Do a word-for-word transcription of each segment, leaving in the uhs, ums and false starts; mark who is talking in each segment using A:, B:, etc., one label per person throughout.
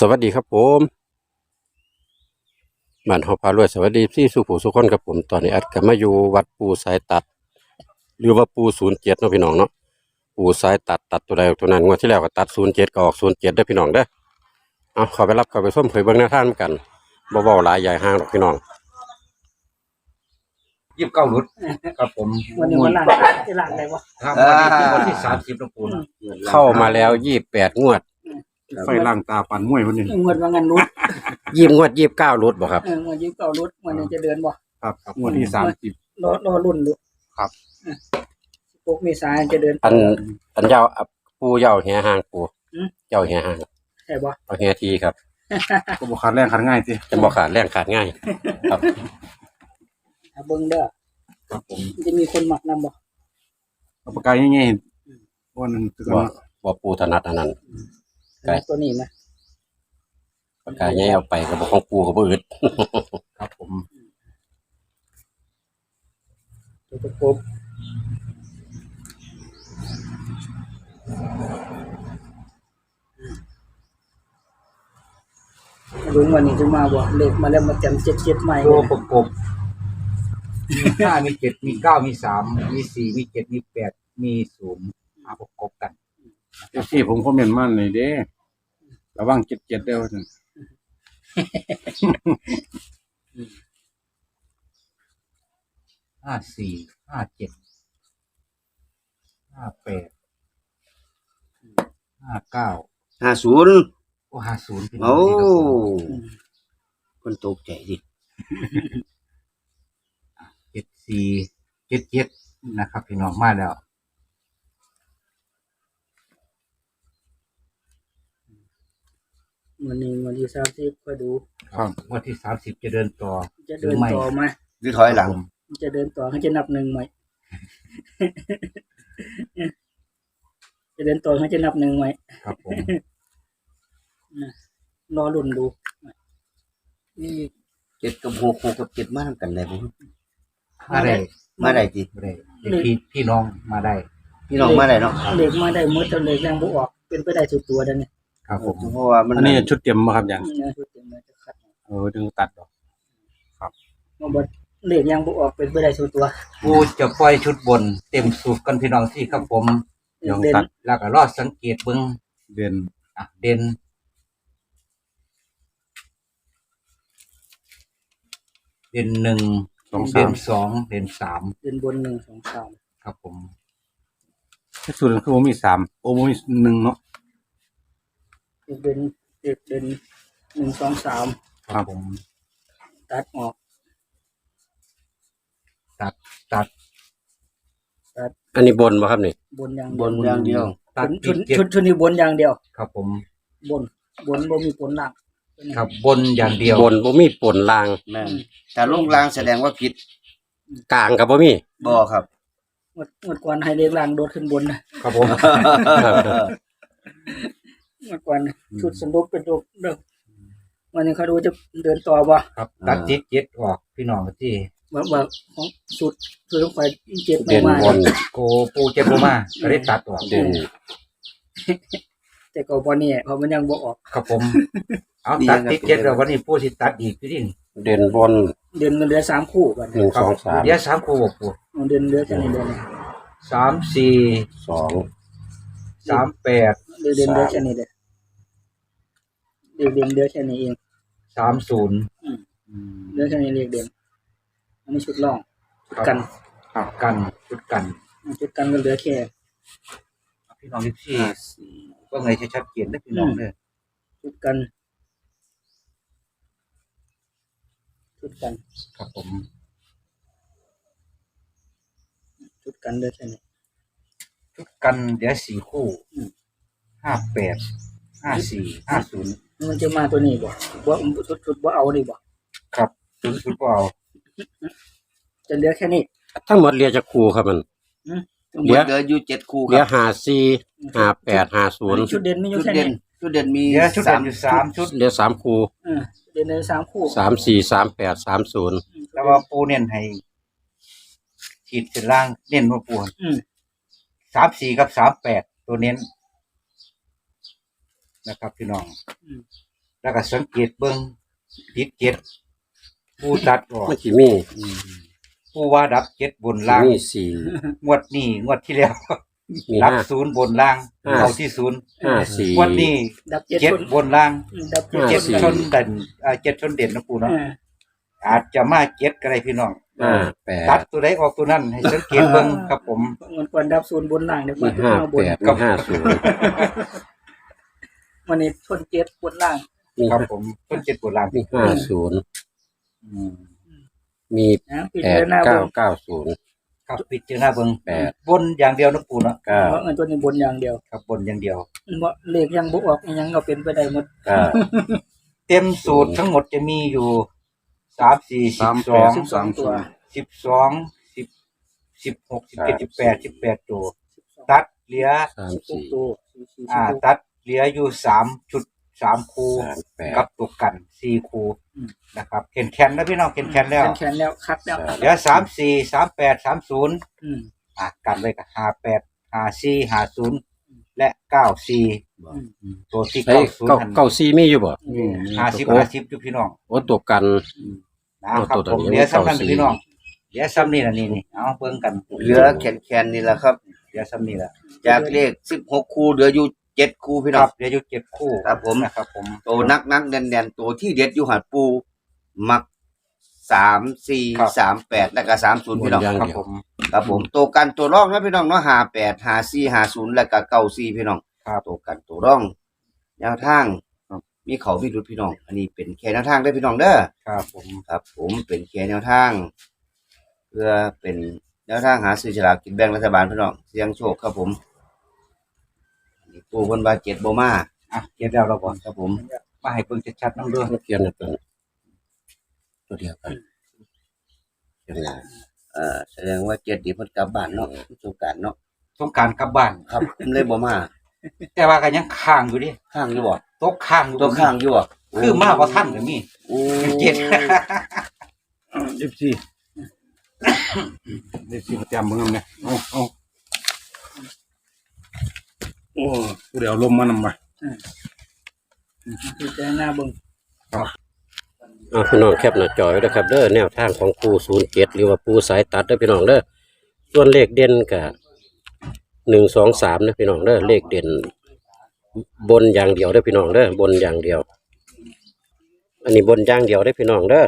A: สวัสดีครับผมบ้านเฮาพารวยสวัสดีพี่สุผู้สุคนครับผมตอนนี้อัดกับมาอยู่วัดปูสายตัดหรือว่าปูศูนย์เจ็ดเนาะพี่น้องเนาะปูสายตัดตัดตัวใดออกตัวนั้นงวดที่แล้วก็ตัดศูนย์เจ็ดก็ออกศูนย์เจ็ดเด้อพี่น้องเด้อเอาเข้าไปรับเข้าไปส้มเผยเบิ่งหน้าท่านกันบ่เว้าหลายใหญ่ห้างหรอกพี่น้อง
B: ยี่สิบเก้ารุดครับผม
C: วันนี้วันหลังจะหลังอะไรวะ
B: ครับวันนี้ที่วันที่สามสิบนะปูนะ
A: เข้ามาแล้วยี่สิบแปดงวด
D: ไฟล่างตาปันมวยวันนี้
C: เงินว่าเงินรุด
A: ยี่สิบงวดยี่สิบเก้ารุดบ่ครับ
C: เออเงินยืมเก่ารุดวันนี้จะเดือนบ่
D: ครับงวดที่สามสิบ
C: รอรอรุ่นดู
D: ครับ
C: พวกเมษาจะเดือน
A: อันอันเจ้าปูเจ้าแห่ห้างปู
C: อืม
A: เจ้าแห่ห้าง
C: ใช่บ่
A: เอาแห่ทีครับ
D: ก็บอกขาดแรงขาดง่ายสิ
A: จะบ่ขาดแรงขาดง่ายครับ
C: ถ้าเบิ่งเด้อ
D: ครับผม
C: จะมีคนหมักนำบ่
D: เอาปากกาง่ายๆวันนั้นคือ
A: บ่บ่ปูถนัดอันนั้น ไก่
C: ตัวนี้ไหม
A: ปากกาแย่เอาไปก็บอกของปูก็บ่อึด
D: ครับผม
C: ตัวประกบลุงวันนี้จะมาบ่เลขมาแล้วมาจำเจ็ดเจ็ดใหม่
B: ตัวประกบมีห้ามีเจ็ดมีเก้ามีสามมีสี่มีเจ็ดมีแปดมีศูนย์มาประกบกัน
D: เอฟซีผมคอมเมนต์มาเลยเด้ระวังเจ็ดเจ็ดเด้อท่าน
B: ห้าสี่ห้าเจ็ดห้าแปดห้าเก้า
E: ห้าศูนย์
B: โอ้ห้าศูนย์พี่น้อ
E: โอ้
B: งนี่ครับผม
E: คนตกใจดิ
B: เจ็ดสี่เจ็ดเจ็ดนะครับพี่น้องมาแล้ว
C: วันนี้วันที่สามสิบก็ดู
D: ครับ
B: วันที่สามสิบจะเดินต่อ
C: จะเดินต่อไหม
E: หรือถอยหลัง
C: จะเดินต่อเขาจะนับหนึ่งไหม จะเดินต่อเขาจะนับหนึ่งไหม
B: ครับผม
C: รอรุ่นดู
E: นี่เจ็ดกับหกหกกับเจ็ดมาทำกันได้บ่
B: มาได้
E: มาได้จิ
B: มาได้พี่พี่น้องมาได้
E: พี่น้องมาได้เนาะ
C: เล็กมาได้หมดจนเล็กแรงบุออก เป็นไปได้สุดตัวดังนี้
B: ครับผม
E: เพราะว่ามัน
D: อันนี้ชุดเตรียมมาครับอย่าง
C: เนื้อสุดเต็มเลยจะคัด
D: เออดึงตัดดอก
C: มาบดเล็กยังบุออกเป็นไปได้สุดตัว
B: กูจะปล่อยชุดบนเต็มสูตรกันพี่น้องที่ครับผม
D: ยัง
C: เด่น
D: ตัด
B: แล้วก็รอดสังเกตเบิ้ง
D: เด่น
B: อ่ะเด่นเด่นหนึ่ง
D: สองสา
B: เด่
D: ม
B: นสองเด่นสาม
C: เด่นบนหนึ่งสองสาม
B: ครับผม
D: ที่สุดคือผมมีสามโอ้ผมมีหนึ่งเนาะ
C: เด่นเด็กเด่นหนึ่งสองสาม
D: ครับผม
C: ตัดออก
B: ตัดตัด
A: อันนี้บนบ่ครับนี่
C: บนอย่าง
E: บ
C: เดียวน
E: อย่างเดียว
B: ตัด
C: ชุ
B: ผิ
C: ด
B: ดเจ็ด
C: ชุดชุดนี้บนอย่างเดียว
B: ครับผม
C: บน บนบ่มีผลหลัง
B: ครับบนอย่างเดียว
A: บนบ่มีปนลาง
E: แม่นแต่ลงลางแสดงว่าผิด
A: กลางก็บ่มี
E: บ่ครับ
C: งวดงวดก่อนให้เล็กล่างโดดขึ้นบนนะครับ
B: ผม
C: งวดก่อนชุดสนุกเป็นรูปเด้อวันนี้เขาดูจะเดินต่อบ่
B: ครับตัดเจ็ดเจ็ดออกพี่น้องที่
C: ว่าว่าของสุดคือต้องไปเจ็ดไม่
A: เด่น
C: มา
A: บน
B: โกปูเจ็บโบมาก็ได้ตัดออก
A: เด่น
C: แต่ก็บ่นี่เพราะมันยังบ่ออก
B: ครับผม เอาตัดติดเจ็ดแล้ววันนี้ปูสิตัดอีกพี่ดิน
A: เด่นบน
C: เดือนมันเหลือสามคู่กัน
A: หนึ่ง
B: ครั
A: ส
B: บ
A: องสาม
B: เดี๋ยวสามคู่บอกปู
C: เดือนเหลือแค่นี้เดือนนี้
B: สามสี่
A: สอง
B: สามแปด
C: เดือนเดือนเหลือแค่นี้เด้อเดือนเดือนเหลือแค่นี้เอง
B: สามศูนย์
C: เหลือแค่นี้เรียกเดือนอันนี้ชุดร่องชุดกัน
B: ครับกันชุดกัน
C: ชุดกันก็เหลือแค่
B: พี่น้องที่ที่ก็ไงจะชัดเจนได้พี่น้องเลย
C: ชุดกันชุดกัน
B: ครับผม
C: ชุดกันเหลือแค่นี้
B: ชุดกันเดี๋ยวสี่คู่ห้าแปดห้าสี่ห้าศูนย์
C: มันจะมาตัวนี้บ่บ่ชุดชุดบ่เอานี่บ่
B: ครับชุดชุดเปล่า
C: จะเหลือแค่นี้
A: ทั้งหมดเรียกจะคู่ครับมัน
E: ทั้งหม
A: เดี๋
E: ด
A: ยว
E: เหลืออยู่เจ็ดคู่ค
A: เรีย
E: รับ
A: ห้าสี่ห้าแปดห้าศูนย์
C: ชุดเด่นมีอยู่
E: ชุด
C: แค่
E: เด่
C: นี้
E: นชุดเด่นมี
B: เดี๋ยวชุด
E: สา
B: เด่
E: ม
B: นอยู่สามชุด
A: เรียสามคู่
C: เออเด่นเลยสามคู่
A: สามสี่สามแปดสามศูนย์
B: แล้วก็ปูเน้นให้ขีดเส้นล่างเน้นว่าปู
C: อืม
B: สามสี่กับสามแปดตัวเน้นนะครับพี่น้อง
C: อืม
B: แล้วก็สังเกตเบิ่งติดเจ็ดปูตัดออก
A: มันสิมี
B: ปูว่าดับเจ็ดบน
A: สิ
B: ล่าง
A: มีสี่
B: งวดนี้งวดที่แล้ว
A: มี
B: ดับ
A: ห้า
B: ศูนย์บนล่าง
A: ห้า
B: เอาที่ศูนย์
A: ห้าสี่
B: งวดนี้
C: ดับเจ็ด
B: เจ็ด
C: คน
B: บนล่าง
C: ดับเจ็ด
A: ห้า
B: เจ็ด
A: สี่
B: ชนเด่นอ่าเจ็ดชนเด่นนะปูเนาะ
C: อ่า
B: อาจจะมาเจ็ดก็ได้พี่น้อง
A: ห้าแป
B: ตั
A: ด
B: ดตัวใดออกตัวนั้นให้สังเกตเบิ่งครับผม
C: มันควรดับศูนย์บนล่างเดี๋ยว
A: มี
C: มา
A: ห้า
C: มาบ
A: แป
C: น
A: ดมีห้าศูนย์
C: วันนี้ชนเจ็ดบนล่าง
A: มี
B: ครับผมต้นเจ็ดบนล่าง
A: มีห้าศูนย์
B: อืม
A: มี
C: นะพิ
A: แป
C: จา
A: ด
C: รณา
A: เก้า
C: เบิ่ง
A: เก้าศูนย์
B: ครับปิดเจอหน้าเบิ่ง
A: แปด
B: บนอย่างเดียวนะปูเนาะ
A: เก้า
C: เพราะเงินตัวนี้บนอย่างเดียว
B: ครับบนอย่างเดียว
C: บ่เลขยังบ่ออกอิหยังก็เป็นไปได้หมด
A: เก้า
B: เต็มสูตรทั้งหมดจะมีอยู่สามสี่สิ
D: สา
B: บ
D: ม
B: ส
D: แป
B: อ
D: ด
B: ง
C: สิบสองตัว
B: สิบสองสิบสิบหกสิบเจ็ดสิบแปดสิบแปดตัวตัดเหลือ
A: สาม
C: สิบ
A: สี่
C: ตัวสี่สี่
B: อ่า
C: สิบหก
B: ตัดเหลืออยู่สามชุดสามคู
A: สามแปด
B: กับตัวกันสี่คูนะครับเข็นแคนแล้วพี่น้องเข็นแคนแล้ว
C: แขนแล้วคัดแล้ว
B: เหลือสามสี่สามแปดสามศูนย์
C: อืม
B: อ่ะกันไว้กับห้าแปดห้าสี่ห้าศูนย์และเก้าสี่
C: อืม
B: ตัวที่
A: เฮ้ย
B: เก้าศูน
A: เก้า
B: ย์หัน
A: เก้าสี่มีอยู่บ่
D: นี่
B: ห้าสิบห้าสิบอยู่พี่น้อง
A: โอ้ตัวกัน
B: นะครับ
A: ตัวตัว
B: ผม
A: นี้
B: เหลือซ้ำนั่น
A: เก้าสี่
B: พี่น้องเหลือซ้ำนี่นะนี่นี่เอาเบิ่งกัน
E: เหลือแขนๆนี่แหละครับ
B: เหลือซ้ำนี่แหละ
E: จากเลขสิบหกคู่เหลืออยู่เจ็ดคู่พี่
B: ค
E: น้อ
B: รั
E: ง
B: บเหลืออยู่เจ็ดคู่
E: ครับผม
B: นะครับผม
E: ตัวนักนักๆแน่นๆตัวที่เด็ดอยู่หัดปูมักสามสี่สามแปดแล้วก็สามศูนย์พี่น้อง
A: อย่าง
B: ครับ
A: เดียว
B: ผม
E: ครับผมตัวกันตัวร่องนะพี่น้องเนาะห้าแปดห้าสี่ห้าศูนย์แล้วก็เก้าสี่พี่น้อง
B: ครับ
E: ตัวกันตัวร่องแนวทางมีเขามีรุดพี่น้อง อันนี้เป็นแค่แนวทางได้อพี่น้องเด้อ
B: ครับผม
E: ครับ ผมเป็นแค่แนวทาง เพื่อเป็นแนวทางหาซื้อฉลากกินแบ่งรัฐบาลพี่น้องเสี่ยงโชคครับผมอันนี้ปูเพิ่นว่าเจ็ดบ่มา
B: อ่ะเก็บแล้วเราก่อน
E: ครับผม
B: มาให้เบิ่งชัดๆน้ำเด้อ
A: เขียนตัวนั้นตัวเดียวกันเขียนแล้ว
E: เอ่อแสดงว่าเจ็ดนี่เพิ่นกลับบ้านเนาะสงกรานต์เนาะ
B: ต้องการกลับบ้าน
E: ครับเลยบ่มา
B: แต่ว่าก็ยังค้างอยู่ดิ
E: ข้างอยู่บ่
B: ตกค้างอยู่
E: ตัวข้างอยู่บ่
B: คือมาบ่ทันก็มี
E: โอ้
B: เจ็ด
D: ยี่สิบสี่ยี่สิบสี่เตรียมมึงเนี่ยเอาเอาโอ้กูเดี๋ยวลมมานำไป
C: พิจารณาเบิ่ง
A: อ่าพี่น้องแคปหน้าจอไว้นะครับเด้อแนวทางของปูศูนย์เจ็ดหรือว่าปูสายตัดเด้อพี่น้องเด้อส่วนเลขเด่นกับหนึ่งสองสามนะพี่น้องเด้อเลขเด่นบนอย่างเดียวเด้อพี่น้องเด้อบนอย่างเดียว อันนี้บนอย่างเดียวได้อพี่น้องเด้อ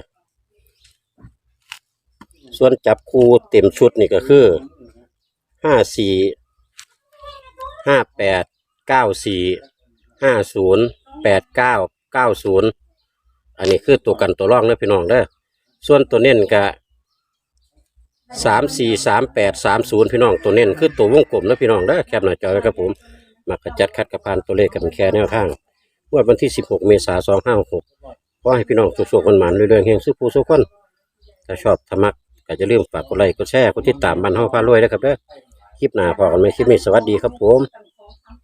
A: ส่วนจับคู่เต็มชุดนี่ก็คือห้าสี่ห้าแปดเก้าสี่ห้าศูนย์แปดเก้าเก้าศูนย์อันนี้คือตัวกันตัวร่องเด้อพี่น้องเด้อส่วนตัวเน้นก็สามสี่สามแปดสามศูนย์พี่น้องตัวเน้นคือตัววงกลมเด้อพี่น้องเด้อแคปหน้าจอไว้ครับผมมากระจัดคัดกระพานตัวเลขกันแค่แนวทางงวดวันที่สิบหกเมษายนสองห้าหกขอให้พี่น้องสุขๆมันๆเรื่อยๆเฮงซื้อผู้สุขคนถ้าชอบธรรมะก็จะลืมฝากกดไลค์กดแชร์กดติดตามบ้านเฮาพารวยนะครับเด้อคลิปหน้าพอกันไหมคลิปนี้สวัสดีครับผม